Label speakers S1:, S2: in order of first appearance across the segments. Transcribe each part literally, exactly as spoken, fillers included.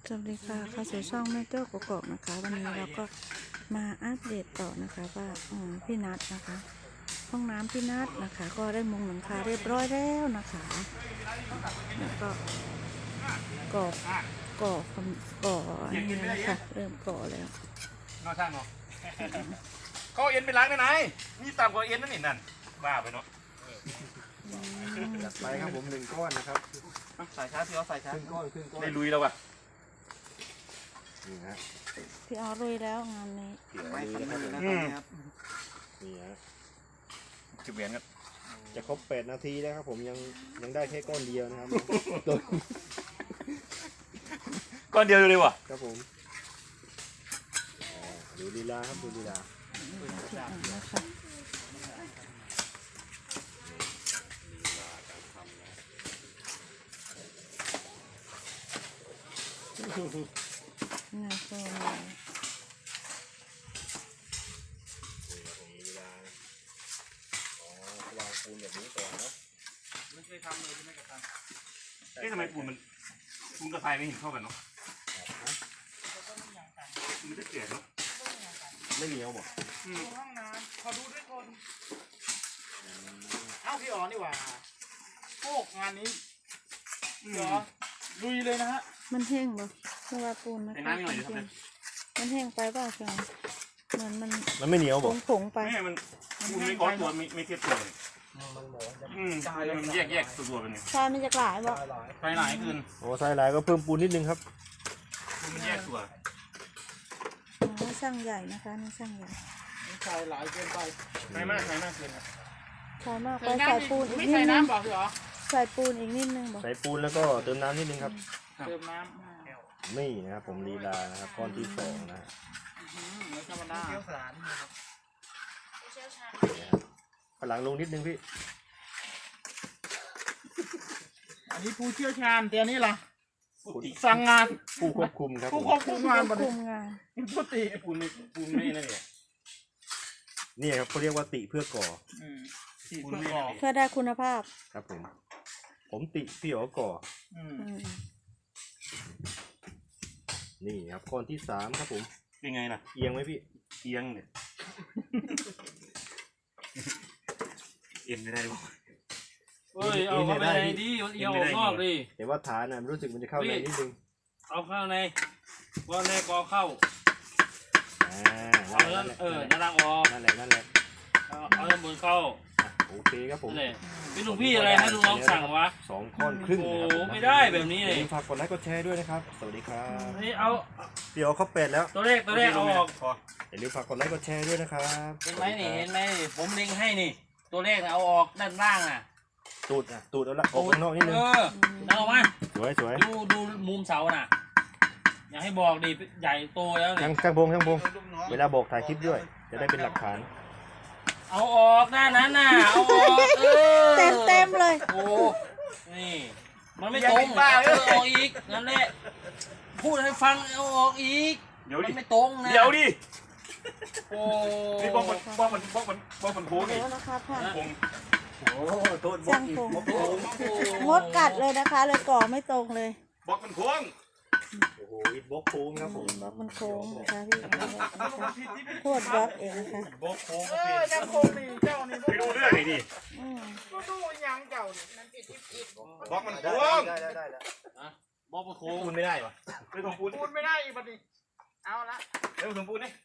S1: สวัสดีค่ะเข้าสู่ช่องแม่โจ้กกอกนะคะวันนี้เราก็มาอัปเดตต่อนะคะว่าพี่นัทนะคะห้องน้ำพี่นัทนะคะก็ได้มุงหลังคาเรียบร้อยแล้วนะคะแล้วก็ก่อก่อก่ออันนี้นะคะเริ่มก่อแล้ว
S2: นอกช่างเนาะเขาเอ็นไปล้างได้ไหนนี่ต่ำกว่าเอ็นนั่นนี่นั่นบ้าไปเนาะ
S3: จัดไปครับผมหนึ่งก้อนนะครับ
S2: ใส่ช้าพี่เอาใส่ช้า
S3: ครึ่งก้อนครึ่งก้อน
S2: ได้ลุยแล้วว่ะ
S3: นี่ฮะ
S1: พี่เอาลุยแล้วงานนี้
S3: ไม่ทำเลยนะครับนี่ฮะ
S2: จุดเวียนกัน
S3: จะครบแปดนาทีแล้วครับผมยังยังได้แค่ก้อนเดียวนะครับ
S2: ก้อนเดียวเลยว่ะ
S3: ครับผมดูลีลาครับดูลีลา
S1: งานโซ่
S3: วางปูนแบบนี้ก่อนนะ
S2: ไม่เคยทำเลยใช่ไหมกับทำเอ๊ะทำไมปูนมันปูนกับทรายไม่เห็นเข้ากันเนาะมันจะเกลี่ยเนาะ
S3: ไม่เหนียวบ่
S4: ห้องน้ำขอดูด้วยคนเอ้าพี่อ๋อนี่หว่าโอ้งานนี้เดี๋ยวลุยเลยนะฮะ
S1: มันแห้งบ่เพราะว่าปูนนะคะมันแห้งไปเปล่าเชียวเหมือนมัน
S3: มันไม่เหนียวบ่
S1: ผงไป
S2: ไม่มันปูนไม่ก้อนตัวไม่ไม่เทียบตัวเลยอืมมันแยกแยกตัวตัวเป็นไง
S1: ทรายมันจะหลายบ่
S2: ทรายหลายขึ้น
S3: โอ้ทรายหลายก็เพิ่มปูนนิดนึงครับ
S2: มันแยกตัว
S1: อ๋อช่างใหญ่นะคะนี่ช่างใหญ่
S4: ใส่หลายเกินไป
S2: ใส่มากใส่มากเกินครับ
S1: ใส่มากไปใส่ปูนอีกนิดนึง
S4: ไม่ใส่น้ำบอกเหรอ
S1: ใส่ปูนอีกนิดนึงบอก
S3: ใส่ปูนแล้วก็เติมน้ำนิดนึงครับ
S4: เติมน้
S3: ำนี่นะครับผมลีลานะครับก้อนที่สองนะ
S4: ไม่ธรรมดาเชี่ยวชาญ
S3: พลังลงนิดนึงพี่
S4: อันนี้ผู้เชี่ยวชาญแต่นี่ล่ะสั่งงาน
S3: ผู้ควบคุมครับ
S4: ผู้ควบคุมงาน
S1: ควบคุมงาน
S4: ผู้ติ
S2: ปูนไม่ปูนไม่นั่นเนี่ย
S3: นี่ครับเขาเรียกว่าติเพื่อก่อ
S4: ติเพื่อก่อ
S1: เพื่อได้คุณภาพ
S3: ครับผมผมติพี่อ๋อก่อนี่ครับก้อนที่สามครับผม
S2: ยังไงนะ
S3: เอียงไหมพี่
S2: เอียงเนี่ยเอ็นไม่ได้ด้วย
S5: เฮ้ยเอาเข้าไปในดิเอียงออกนอกดิ
S3: แต่ว่าฐานน่ะรู้สึกมันจะเข้าในนิดนึง
S5: เอาเข้าในก้อนแรกกอเข้า
S3: อ่า
S5: เออด้านล่างออก
S3: นั่นแหละนั่นแหละ
S5: เอาด้านบนเข้า
S3: โอเคครับผม
S5: พี่ลุงพี่อะไรให้ลุงน้องสั่งวะ
S3: สองก้อนครึ่ง
S5: โอ้ไม่ได้แบบนี้เลย
S3: ฝากกดไลค์กดแชร์ด้วยนะครับสวัสดีครับ
S5: นี่เอา
S3: เดี๋ยวเขาเป็ดแล้ว
S5: ตัวเลขตัวเลขเอาออก
S3: อย่าลืมฝากกดไลค์กดแชร์ด้วยนะครับ
S5: เห็นไหมนี่เห็นไหมผมเล็งให้นี่ตัวเลขเอาออกด้านล่างอ่ะ
S3: ตูดอ่ะตูดเอาละออกข้างนอกนิดนึง
S5: เออเอามา
S3: สวยสวย
S5: ดูดูมุมเสาน่ะอยากให้บอกดิใหญ่โตแล้ว
S3: ช่างช่างพงช่างพงเวลาบอกถ่ายคลิปด้วยจะได้เป็นหลักฐาน
S5: เอาออกหน้านั้นน่ะเอาออกเออ
S1: เต็มเต็มเลย
S5: โอ้นี่มันไม่ตรงเอาออกอีกนั่นแหละพูดให้ฟังเอาออกอีก
S2: เดี๋ยวดิ
S5: ไม่ตรงนะ
S2: เดี๋ยวดิ
S5: โอ้
S2: นี่บอกมันบอกมันบอกมันบอกมันโค้งนี่
S3: โอ้โทษ
S1: ช่างพงมดกัดเลยนะคะเลยก่อไม่ตรงเลย
S2: บอกมันโค้ง
S3: โอ้โหอิดบล็อกโค้งครับผม
S1: บล็อกมันโค้งนะคะพี่โคตรบล็อกเองนะคะ
S2: บล็อกโค้ง
S4: เออยังโค้งนี่เจ้านี่
S2: ไปดูเรื่องไหนดิ
S4: ก็ดูยังเจ้านี่มันผิดที่ผิด
S2: บล็อกมันโค้ง
S3: ได้ได้ได้แล้ว
S5: บล็อกมันโค้ง
S2: ปูนไม่ได้ปะไม่ต้องปูน
S4: ปูนไม่ได้อีกบัดนี้เอาละ
S2: เร็วถึงปูนนี่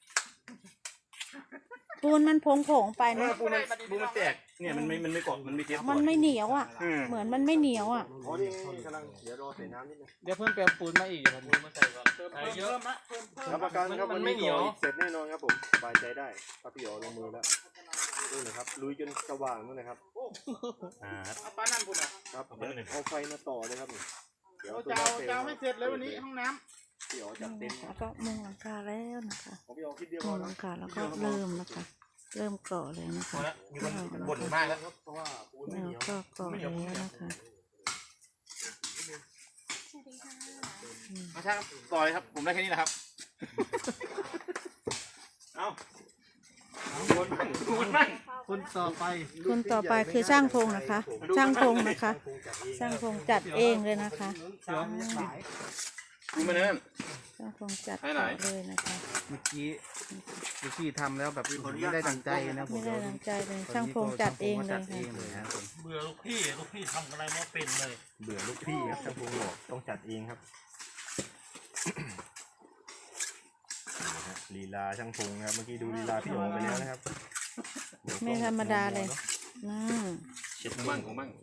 S1: ปูนมันผงผงไปนะ
S2: ปูนมันปูนมันแตกเนี่ยมันไม่มันไม่เกาะมันไม่เทียบ
S1: มันไม่เหนียวอ่ะเหมือนมันไม่เหนียวอ่ะ
S3: อ๋อนี่กำลังเดี๋ยวรอใส่น้ำนิดนึง
S4: เดี๋ยวเพิ่มเติมปูนมาอีกครับปูนมาใส่ก่อนเติมเยอะมะเพิ่มเพิ่ม
S3: รับประกันครับมันไม่เหนียวเสร็จแน่นอนครับผมสบายใจได้ถ้าพี่อ๋อลงมือแล้วดูหน่อยครับลุยจนสว่างนู่นนะครับ
S2: อ่า
S4: เอาปลานั่นคุณอ่ะ
S3: ครับเอาไฟมาต่อเลยครับ
S4: เดี๋ยวจะเอาจะให้เสร็จเลยวันนี้ห้องน้
S3: ำพี่อ๋อจัดเต็ม
S1: แล้วก็มุงหลังคาแล้วนะคะ
S3: มุ
S1: งหลังคาแล้วก็เริ่มนะคะเริ่มก่อเลยนะคะ
S2: บ่นมากแล้ว
S3: เพราะว่า
S1: แล้วก็ก่อแล้วนะคะ
S2: มาช่างต่อเลยครับผมได้แค่นี้นะครับเอาคนมั่งคนมั่ง
S4: คนต่อไป
S1: คนต่อไปคือช่างพงนะคะช่างพงนะคะช่างพงจัดเองเลยนะคะ
S2: ดูมันนั่น
S1: ช่างพงจัดต่อเลยนะคะ
S4: เมื่อกี้เมื่อกี้ทำแล้วแบบไม่ได้ดังใจนะผม
S1: ไม่ได้ดังใจเลยช่างพงจัดเองเลย
S4: จัด
S1: ค่ะ
S4: เองเลยครับผม
S5: เบื่อลูกพี่ลูกพี่ทำอะไรไม่เป็นเลย
S3: เบื่อลูกพี่ครับช่างพงบอกต้องจัดเองครับนี่นะฮะลีลาช่างพงนะครับเมื่อกี้ดูลีลาพี่โอไปแล้วนะครับ
S1: ไม่ธรรมดาเลยอืม
S3: เช็ด
S2: ของ
S3: มั่
S2: มั่
S3: ง
S2: งของมั่ง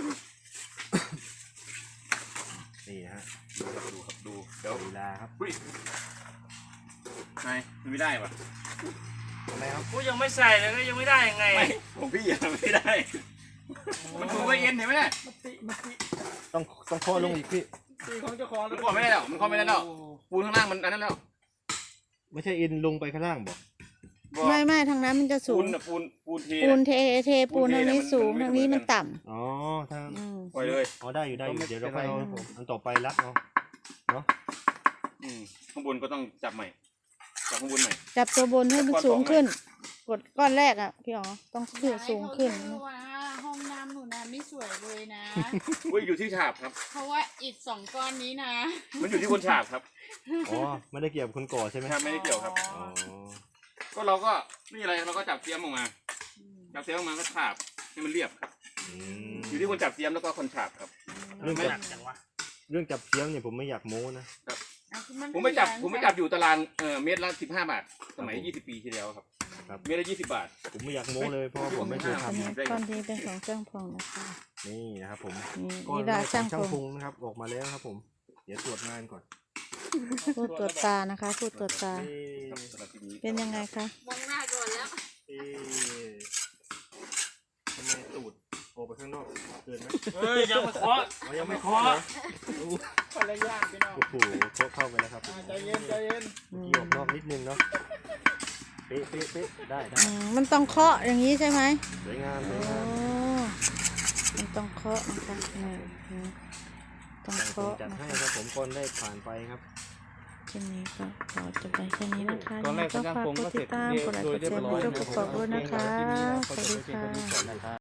S3: นี่นะฮะ
S2: ดูครับดูครับดูเดี๋ยว
S3: ลีลาครับ
S2: อุ้ยนายมันไม่ได้ปะ
S3: ทำไมครับ
S5: กูยังไม่ใส่เลยก็ยังไม่ได้ยังไง
S2: ไม่ของพี่ยังไม่ได้มันถูกไว้เอ็นเห็นไหมเนี่ย
S3: ต้องต้องข้อลงอีกพี่
S4: ตีของเจ้าของ
S2: มันข้อไม่ได้แล้วมันข้อไม่ได้แล้วปูนข้างล่างมันอันนั้นแล้ว
S3: ไม่ใช่เอ็นลงไปข้างล่างบอก
S1: ไม่ไม่ทางนั้นมันจะสู
S2: ปู
S1: ง
S2: นน่ะปูนปูนเท
S1: ปูน
S2: น่ะ
S1: เทเทปูนทางนี้สูงทางนี้มันต่
S3: อ๋อทาง
S1: ำอืม
S2: ปล่อยเลย
S3: อ๋อได้อยู่ได้อยู่เดี๋ยวเราไปเอาอันต่อไปรัดเอาเนาะ
S2: อืมข้างบนก็ต้องจับใหม่จับข้างบนใหม่
S1: จับตัวบนให้มันสูงขึ้น กดก้อนแรกอ่ะพี่อ๋อต้องขึ้นสูงขึ้น
S6: เพราะว่าห้องน้ำหนูนะไม่สวยเลยนะ
S2: อุ้ยอยู่ที่ฉาบครับ
S6: เพราะว่าอิฐสองก้อนนี้นะ
S2: มันอยู่ที่คนฉาบครับ
S3: อ๋อไม่ได้เกี่ยวกับคนก่อใช่ไหม
S2: ครับไม่ได้เกี่ยวครับ
S3: อ๋อ
S2: ก็เราก็ไม่มีอะไรเราก็จับเสียมออกมา จับเสียมออกมาก็ฉาบให้มันเรียบครับ
S3: อืม
S2: อยู่ที่คนจับเสียมแล้วก็คนฉาบครับ
S3: เรื่อง
S2: ไม่
S3: จับเรื่องจับเสียงเนี่ยผมไม่อยากโม้นะ
S2: ผมไม่จับผมไม่จับอยู่ตารางเอ่อเมตรละสิบห้าบาทสมัยยี่สิบปีที่แล้วครับ
S3: ครับ
S2: เมตรละยี่สิบบาท
S3: ผมไม่อยากโม้เลยเพราะว่าผมไม่เคยท
S1: อันนี้ก้อนนี้เป็นของช่างพงนะคะ
S3: ำนี่นะครับผม
S1: นี่
S3: ก้อน
S1: นี่
S3: แร
S1: ดาก
S3: ขอ
S1: ช่าง
S3: งช่าง
S1: พ
S3: พ
S1: ง
S3: งนะครับออกมาแล้วครับผม เดี๋ยวตรวจงานก่อน
S1: พูดตรวจตานะคะพูดตรวจตา
S3: เอ๊ะ
S2: สำหรับที่นี้
S1: เป็นยังไงคะ
S6: มองหน้าก่อนแล้ว
S3: เอ๊ะทำไมตูดออกไปข้างนอกเกินไหม
S5: เฮ้ยยังไม่เคาะ
S3: อ๋อยังไม่เคาะเหรอโอ้โห
S4: คนละอย่างพี่น้อง
S3: โอ้โหเคาะเข้าไปแล้วครับ
S4: อ่าใจเย็นใจเย็น
S1: อื
S3: เมื่อ
S1: ม
S3: กี้ออกนอกนิดนึงเนาะเป๊ะเป๊ะเป๊ะได้ได้
S1: อืมมันต้องเคาะอย่างนี้ใช่ไหม
S3: สวยงามส
S1: โอ้
S3: วยงาม
S1: มันต้องเคาะนะคะนี่นี่ต้อง
S3: ช่างพง
S1: เคาะ
S3: จัด
S1: นะ
S3: ให้
S1: คะ
S3: ครับผมก้อนได้ผ่านไปครับ
S1: คลิปนี้ก็ขอจบไปแค่นี้นะคะ
S4: ตอนแรก
S1: ก็
S4: ช่าง
S1: ฝาก
S4: พง
S1: ก
S4: ก็
S1: ด
S4: เส
S1: ติ
S4: ร็
S1: ด
S4: จ
S1: ตามกดไลค์กดแชร์กดติดตามกดด้วยนะคะ สวัสดีค่ะ
S4: นะครับ